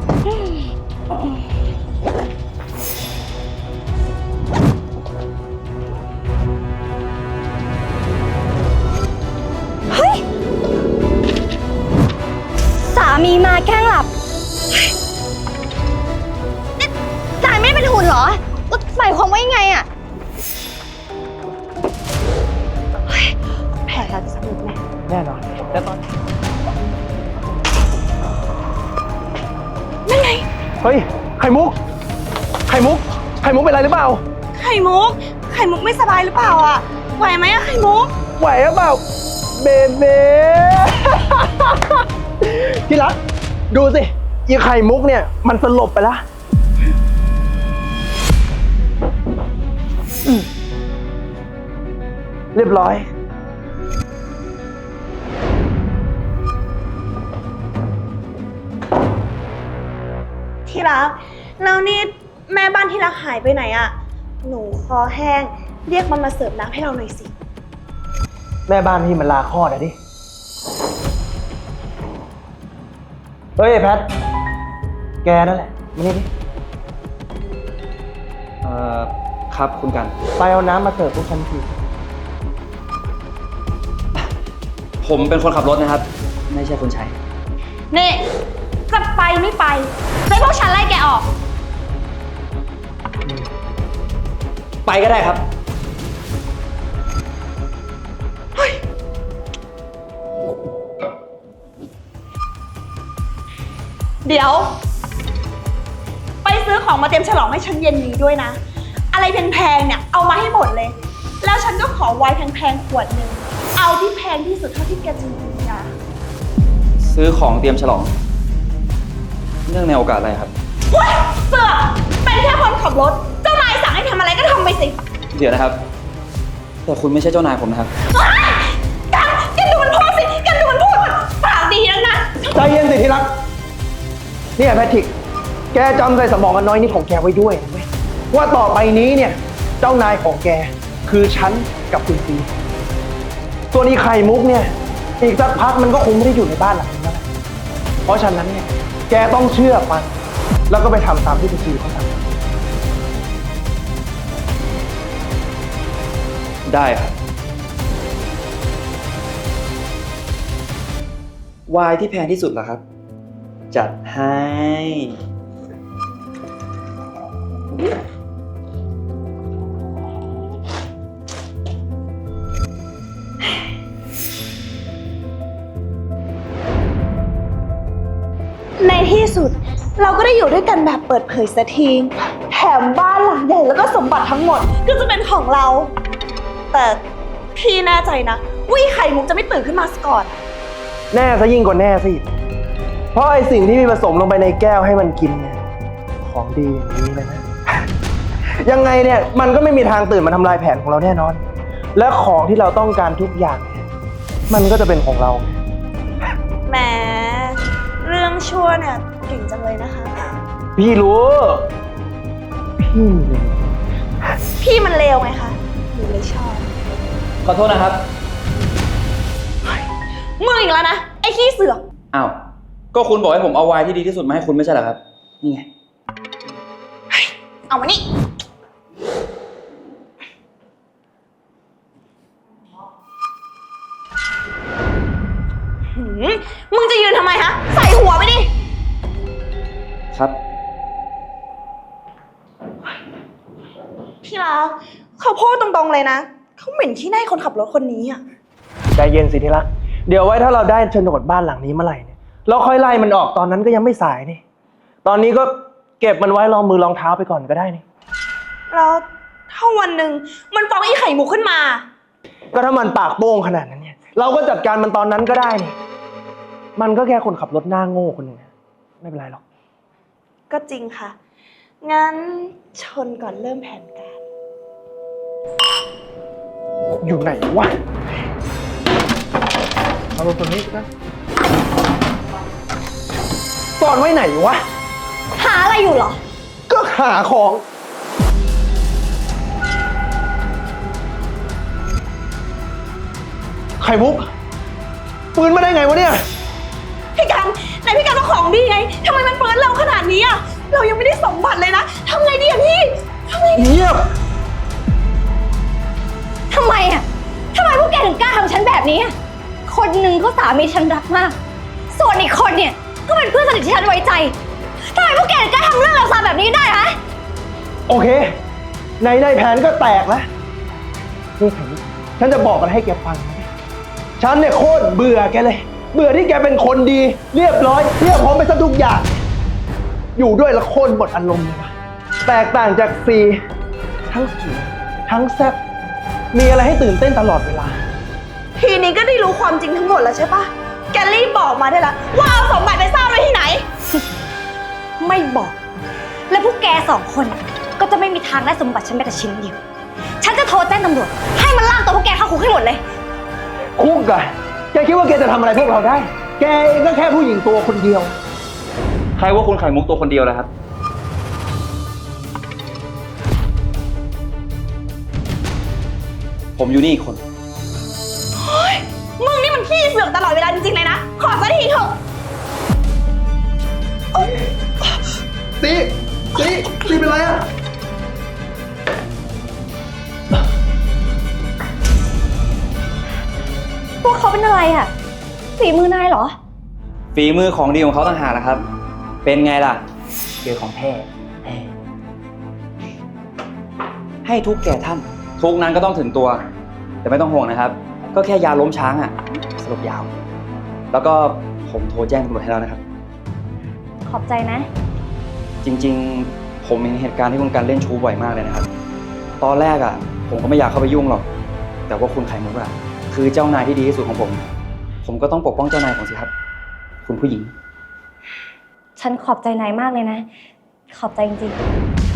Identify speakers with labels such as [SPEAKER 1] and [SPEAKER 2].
[SPEAKER 1] เฮ้ยสามีมาแกล้งหลับนี่นายไม่ได้เป็นหุ่นเหรอหมายความว่ายังไงอะแผลเราจะสำเร็จไหม
[SPEAKER 2] แน่นอนแต่ตอน
[SPEAKER 1] นั่นไง
[SPEAKER 2] เฮ้ยไข่มุกเป็นไรหรือเปล่า
[SPEAKER 1] ไข่มุกไม่สบายหรือเปล่าอะไหวไหมอะไข่มุก
[SPEAKER 2] ไหวหรือเปล่าเบเบ้ที่รักดูสิอีไข่มุกเนี่ยมันสลบไปแล้วเรียบร้อย
[SPEAKER 1] ที่รักแล้วนี่แม่บ้านที่รักหายไปไหนอะหนูคอแห้งเรียกมันมาเสิร์ฟน้ำให้เราหน่อยสิ
[SPEAKER 2] แม่บ้านพี่มันลาคลอดอะดิเฮ้ยแพทแกนั่นแหละมานี่ดิ
[SPEAKER 3] ครับคุณกัน
[SPEAKER 2] ไปเอาน้ำมาเสิร์ฟพวกฉันที
[SPEAKER 3] ผมเป็นคนขับรถนะครับไม่ใช่คนใช้
[SPEAKER 1] นี่จะไปไม่ไปให้พวกฉันไล่แกออก
[SPEAKER 3] ไปก็ได้ครับ
[SPEAKER 1] เดี๋ยวไปซื้อของมาเตรียมฉลองให้ฉันเย็นนี้ด้วยนะอะไรแพงๆเนี่ยเอามาให้หมดเลยแล้วฉันก็ขอไวน์แพงๆขวดหนึ่งเอาที่แพงที่สุดเท่าที่แกจะมีนะ
[SPEAKER 3] ซื้อของเตรียมฉลองเนื่องในโอกาสอะไรครับ
[SPEAKER 1] เฮ้ยเสือกเป็นแค่คนขับรถเจ้านายสั่งให้ทำอะไรก็ทำไปสิ
[SPEAKER 3] เดี๋ยวนะครับแต่คุณไม่ใช่เจ้านายผมนะครับ
[SPEAKER 1] กันดูมันพูดสิกันดูมันพูดปากดีนักนะ
[SPEAKER 2] ใจเย็นสิที่รักเนี่ยแพทริกแกจำใส่สมองกันน้อยนิดของแกไว้ด้วยนะเว้ยว่าต่อไปนี้เนี่ยเจ้านายของแกคือฉันกับคุณซีส่วนอีไข่มุกเนี่ยอีกสักพักมันก็คงไม่ได้อยู่ในบ้านหลังนี้แล้วเพราะฉะนั้นเนี่ยแกต้องเชื่อมันแล้วก็ไปทำตามที่คุณซีเขาสั่ง
[SPEAKER 3] ได้ครับไวน์ที่แพงที่สุดเหรอครับจัดให้
[SPEAKER 1] ในที่สุดเราก็ได้อยู่ด้วยกันแบบเปิดเผยสักทีแถมบ้านหลังใหญ่แล้วก็สมบัติทั้งหมดก็จะเป็นของเราแต่พี่แน่ใจนะว่าไข่มุกจะไม่ตื่นขึ้นมาก่อน
[SPEAKER 2] แน่ซะยิ่งกว่าแน่สิเพราะไอ้สิ่งที่มีผสมลงไปในแก้วให้มันกินเนี่ยของดีอย่างนี้เลยนะยังไงเนี่ยมันก็ไม่มีทางตื่นมาทำลายแผนของเราแน่นอนและของที่เราต้องการทุกอย่างเนี่ยมันก็จะเป็นของเรา
[SPEAKER 1] แหมเรื่องชั่วเนี่ยเก่งจังเลยนะคะ
[SPEAKER 2] พี่รู้
[SPEAKER 1] พี่มันเลวไงคะหนูเลยชอบ
[SPEAKER 3] ขอโทษนะครับ
[SPEAKER 1] มึงอีกแล้วนะไอ้ขี้เสือก
[SPEAKER 3] อ้าวก็คุณบอกให้ผมเอาไวน์ที่ดีที่สุดมาให้คุณไม่ใช่เหรอครับนี่ไง
[SPEAKER 1] เอามานี่มึงจะยืนทำไมฮะใส่หัวไปดิ
[SPEAKER 3] ครับ
[SPEAKER 1] พี่รักเขาพูดตรงๆเลยนะเขาเหม็นขี้หน้าคนขับรถคนนี้อ่ะ
[SPEAKER 2] ใจเย็นสิที่รักเดี๋ยวไว้ถ้าเราได้โฉนดบ้านหลังนี้เมื่อไหร่เนี่ยเราค่อยไล่มันออกตอนนั้นก็ยังไม่สายนี่ตอนนี้ก็เก็บมันไว้ลองมือลองเท้าไปก่อนก็ได้นี่
[SPEAKER 1] แล้วถ้าวันหนึ่งมันฟ้องไอ้ไข่มุกขึ้นมา
[SPEAKER 2] ก็ถ้ามันปากโป้งขนาดนั้นเนี่ยเราก็จัดการมันตอนนั้นก็ได้นี่มันก็แค่คนขับรถหน้าโง่คนหนึ่งไม่เป็นไรหรอก
[SPEAKER 1] ก็จริงค่ะงั้นชนก่อนเริ่มแผนการ
[SPEAKER 2] อยู่ไหนวะเอารถตัวนี้นะซ่อนไว้ไหนวะ
[SPEAKER 1] หาอะไรอยู่เหรอ
[SPEAKER 2] ก็หาของไข่มุกปืนมาได้ไงวะเนี่ย
[SPEAKER 1] พี่กันไหนพี่กันว่าของดีไงทำไมมันเฟิร์สเราขนาดนี้อะเรายังไม่ได้สมบัติเลยนะทำไงดีอะพี่ทำไงดี
[SPEAKER 2] เงียบ
[SPEAKER 4] ทำไมอ่ะทำไมพวกแกถึงกล้าทำฉันแบบนี้อะคนหนึ่งก็สามีฉันรักมาก ส่วนอีกคนเนี่ยก็เป็นเพื่อนสนิทที่ฉันไว้ใจทำไมพวกแกถึงกล้าทำเรื่องเลวทรามแบบนี้ได้ฮะ
[SPEAKER 2] โอเค ในแผนก็แตกแล้วนี่แผนฉันจะบอกอะไรให้แกฟังนะฉันเนี่ยโคตรเบื่อแกเลย เบื่อที่แกเป็นคนดี เรียบร้อยเรียบพร้อมไปซะทุกอย่าง อยู่ด้วยและโคตรหมดอารมณ์เลยวะแตกต่างจากซีทั้งสวยทั้งแซ่บมีอะไรให้ตื่นเต้นตลอดเวลา
[SPEAKER 1] ทีนี้ก็ได้รู้ความจริงทั้งหมดแล้วใช่ปะแกรีบบอกมาได้ละว่าเอาสมบัติไปซ่อนไว้ที่ไหน
[SPEAKER 4] ไม่บอก และพวกแกสองคนก็จะไม่มีทางได้สมบัติฉันแม้แต่ชิ้นเดียว ฉันจะโทรแจ้งตำรวจให้มันลากตัวพวกแกเข้าคุกให้หมดเลย
[SPEAKER 2] คุกอะแกคิดว่าแกจะทำอะไรพวกเราได้ แกเองก็แค่ผู้หญิงตัวคนเดียว
[SPEAKER 3] ใครว่าคุณไข่มุกตัวคนเดียวล่ะครับ ผมอยู่นี่อีกคน
[SPEAKER 1] มึงนี่มันขี้เสือกตลอดเวลาจริงๆเลยนะ ขอสักทีเถอะ
[SPEAKER 2] ซีเป็นไรอะ
[SPEAKER 4] พวกเขาเป็นอะไรอ่ะฝีมือนายเหรอ
[SPEAKER 3] ฝีมือของดีของเขาต่างหากนะครับ เป็นไงล่ะเจอของแท้ให้ทุกแก่ท่าน ทุกนั้นก็ต้องถึงตัว แต่ไม่ต้องห่วงนะครับ ก็แค่ยาล้มช้างอะสลบยาว แล้วก็ผมโทรแจ้งตำรวจให้แล้วนะครับ
[SPEAKER 4] ขอบใจนะ
[SPEAKER 3] จริงๆ ผมเห็นเหตุการณ์ที่คุณการเล่นชู้บ่อยมากเลยนะครับ ตอนแรกผมก็ไม่อยากเข้าไปยุ่งหรอก แต่ว่าคุณไข่มุกคือเจ้านายที่ดีที่สุดของผม ผมก็ต้องปกป้องเจ้านายของสิครับ คุณผู้หญิง
[SPEAKER 4] ฉันขอบใจนายมากเลยนะ ขอบใจจริงๆ